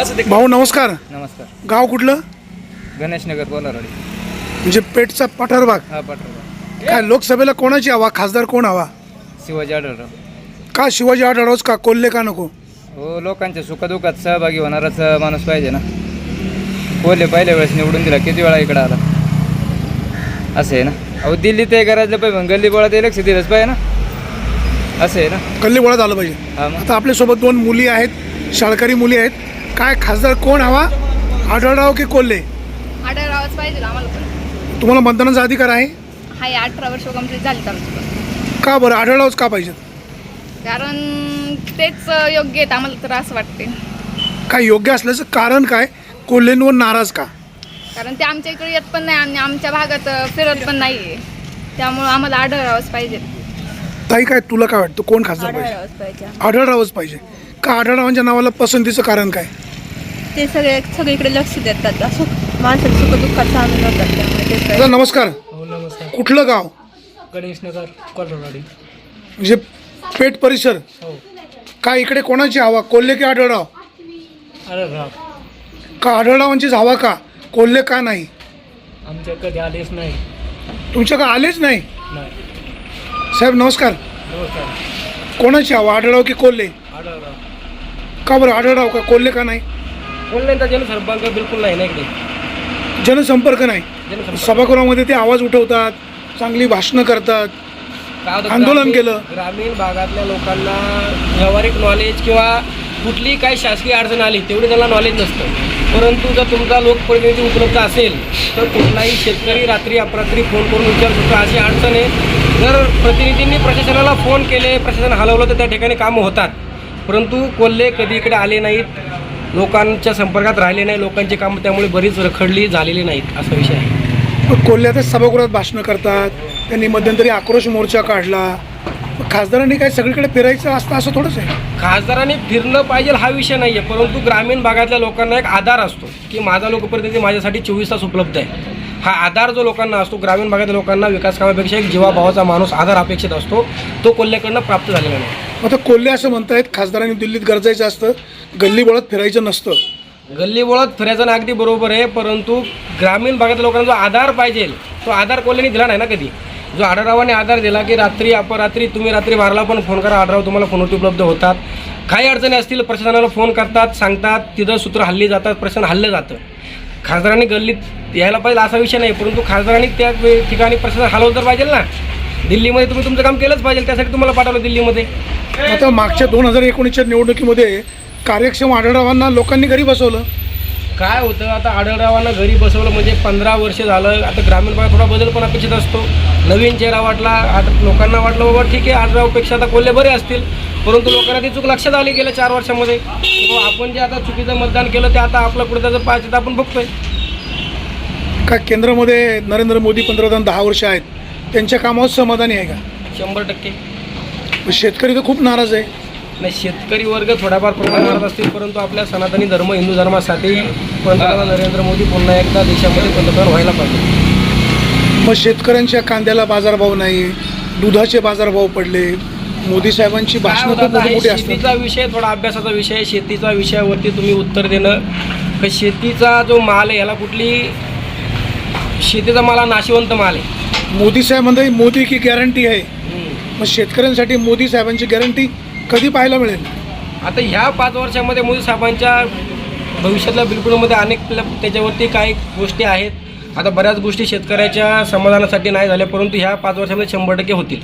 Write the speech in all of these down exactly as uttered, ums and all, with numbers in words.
भाऊ नमस्कार. नमस्कार. गाव कुठलं? गणेशनगर कोलारवाडी. म्हणजे पेठचा पठार भाग. हा पठार. काय लोकसभेला कोणाची हवा, खासदार कोण हवा? शिवाजी आढळराव. का शिवाजी आढळरावच का, कोल्हे का नको? हो, लोकांच्या सुखदुःखात सहभागी होणाराच माणूस पाहिजे ना. कोल्हे पहिल्या वेळेस निवडून दिला, किती वेळा इकडे आला असं आहे ना. अहो दिल्ली ते करायचं पाहिजे, गल्ली बोळात लक्ष दिलंच पाहिजे ना, असं आहे ना. गल्ली बोळात आलं पाहिजे. हा मग. आता आपल्यासोबत दोन मुली आहेत, शाळकरी मुली आहेत. काय खासदार कोण हवा, आढळराव की कोल्हे? आढळरावच पाहिजे आम्हाला पण. तुम्हाला मतदानाचा अधिकार आहे? हाय, अठरा वर्ष कंप्लीट झाली आमची पण. का बरं आढळरावच का पाहिजे? कारण तेच योग्य आहेत आम्हाला तर असं वाटते. काय योग्य असल्याचं कारण काय? कोल्हेंवर नाराज का? कारण ते आमच्या इकडे येत पण नाही आणि आमच्या भागात फिरत पण नाही आहे, त्यामुळं आम्हाला आढळरावच पाहिजे. ताई काय तुला काय वाटतं, कोण खासदार पाहिजे? आढळरावच पाहिजे. आढळरावच पाहिजे का? आढळरावांच्या नावाला पसंतीचं कारण काय? ते सगळे सगळीकडे लक्ष देतात, असं माणसाचं सुख दुःखात सामील होतात, त्यामुळे तेच दादा नमस्कार. हो नमस्कार. कुठलं गाव? गणेशनगर कोलारवाडी. म्हणजे पेठ परिसर. हो. काय इकडे कोणाची हवा, कोल्हे की आढळराव? अरे राव, का आढळरावांचीच हवा का, कोल्हे का नाही? आमच्या कधी आलेच नाही. तुमच्या का आलेच नाही? नाही. साहेब नमस्कार. नमस्कार. कोणाची हवा, आढळराव की कोल्हे? आढळराव. का बरं आढळराव का, कोल्हे का नाही? कोल्ह्यांचा जनसंपर्क बिलकुल नाही ना इकडे. जनसंपर्क नाही. जनसंपर्क सभागृहामध्ये ते आवाज उठवतात, चांगली भाषणं करतात, काय होतं, आंदोलन ग्रामीण- केलं. ग्रामीण भागातल्या लोकांना व्यावहारिक नॉलेज किंवा कुठलीही काही शासकीय अडचण आली तेवढी त्यांना नॉलेज नसतं. परंतु जर तुमचा लोकप्रतिनिधी उपलब्ध असेल तर कुठलाही शेतकरी रात्री अपरात्री फोन करून विचारू शकतो अशी अडचण आहे. जर प्रतिनिधींनी प्रशासनाला फोन केले, प्रशासन हलवलं तर त्या ठिकाणी कामं होतात. परंतु कोल्हे कधी इकडे आले नाहीत, लोकांच्या संपर्कात राहिले नाही, लोकांची कामं त्यामुळे बरीच रखडली झालेली नाहीत, असा विषय आहे. पण कोल्हे आता सभागृहात भाषणं करतात, त्यांनी मध्यंतरी आक्रोश मोर्चा काढला. खासदारांनी काय सगळीकडे फिरायचं असतं असं थोडंच आहे? खासदारांनी फिरणं पाहिजे हा विषय नाही आहे, परंतु ग्रामीण भागातल्या लोकांना एक आधार असतो की माझा लोकप्रतिनिधी माझ्यासाठी चोवीस तास उपलब्ध आहे. हा आधार जो लोकांना असतो, ग्रामीण भागातल्या लोकांना विकास कामापेक्षा एक जीवाभावाचा माणूस आधार अपेक्षित असतो, तो कोल्हेकडनं प्राप्त झालेला नाही. आता कोल्हे असं म्हणतायत खासदारांनी दिल्लीत गरजायचं असतं, गल्ली बोळात फिरायचं नसतं. गल्ली बोळात फिरायचं ना अगदी बरोबर आहे, परंतु ग्रामीण भागातल्या लोकांना जो आधार पाहिजे तो आधार कोल्हेने दिला नाही ना कधी. जो आढळरावाने आधार दिला की रात्री अपरात्री तुम्ही रात्री बाराला पण फोन करा, आढळराव तुम्हाला फोनवरती उपलब्ध होतात. काही अडचणी असतील प्रशासनाला फोन करतात, सांगतात, तिथं सूत्र हल्ली जातात, प्रशासन हल्लं जातं. खासदारांनी गल्लीत यायला पाहिजे असा विषय नाही, परंतु खासदारांनी त्या ठिकाणी प्रशासन हलवलं तर पाहिजे ना. दिल्लीमध्ये तुम्ही तुमचं काम केलंच पाहिजे, त्यासाठी तुम्हाला पाठवलं दिल्लीमध्ये. आता मागच्या दोन हजार एकोणीसच्या निवडणुकीमध्ये कार्यक्षम आढळरावांना लोकांनी घरी बसवलं. काय होतं, आता आढळरावांना घरी बसवलं म्हणजे पंधरा वर्ष झालं. आता ग्रामीण भागात थोडा बदल पण अपेक्षित असतो, नवीन चेहरा वाटला. आता लोकांना वाटलं बाबा ठीक आहे आढळरावपेक्षा आता कोल्हे बरे असतील, परंतु लोकांना ती चूक लक्षात आली गेल्या चार वर्षामध्ये. आपण जे आता चुकीचं मतदान केलं ते आता आपलं पुढे त्याचं पाच आपण बघतोय. का केंद्रामध्ये नरेंद्र मोदी पंतप्रधान दहा वर्ष आहेत, त्यांच्या कामावर समाधानी आहे का? शंभर टक्के. शेतकरी तर खूप नाराज आहे. नाही, शेतकरी वर्ग थोड्याफार प्रमाणात असतील, परंतु आपल्या सनातनी धर्म हिंदू धर्मासाठी पंतप्रधान नरेंद्र मोदी पुन्हा एकदा देशामध्ये पंतप्रधान व्हायला पाहिजे. मग शेतकऱ्यांच्या कांद्याला बाजारभाव नाही, दुधाचे बाजारभाव पडले, मोदी साहेबांची भाषणं खूप मोठी मोठी असतात. शेतीचा विषय थोडा अभ्यासाचा विषय, शेतीचा विषयावरती तुम्ही उत्तर देणं. तर शेतीचा जो माल आहे याला कुठली, शेतीचा माल हा नाशिवंत माल आहे. मोदी साहेब म्हणतात मोदी की गॅरंटी आहे, मग शेतकऱ्यांसाठी मोदी साहेबांची गॅरंटी कधी पाहायला मिळेल? आता ह्या पाच वर्षामध्ये मोदी साहेबांच्या भविष्यातल्या बिलकुलमध्ये अनेक त्याच्यावरती काही गोष्टी आहेत. आता बऱ्याच गोष्टी शेतकऱ्याच्या समाधानासाठी नाही झाल्या, परंतु ह्या पाच वर्षामध्ये शंभर टक्के होतील.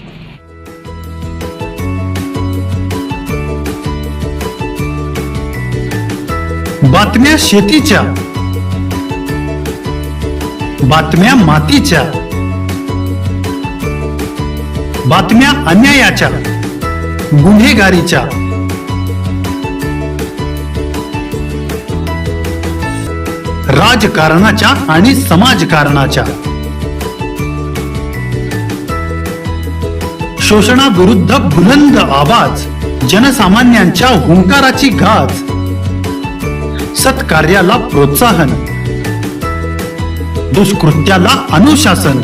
बातम्या शेतीच्या, बातम्या मातीच्या, बातम्या अन्यायाच्या, गुन्हेगारीच्या, राजकारणाच्या आणि समाजकारणाच्या, शोषणाविरुद्ध बुलंद आवाज, जनसामान्यांच्या हुंकाराची गाज, सत्कार्याला प्रोत्साहन, दुष्कृत्याला अनुशासन,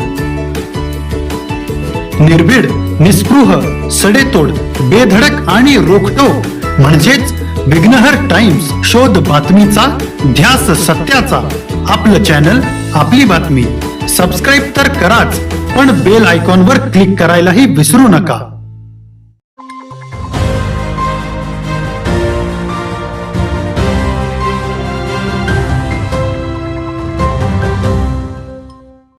निर्भीड, निस्पृह, सडेतोड, बेधडक आणि रोखठोक म्हणजेच विघ्नहर टाइम्स, शोध बातमीचा, ध्यास सत्याचा. आपलं चॅनल, आपली बातमी. सबस्क्राईब तर कराच, पण बेल आयकॉनवर क्लिक करायलाही विसरू नका.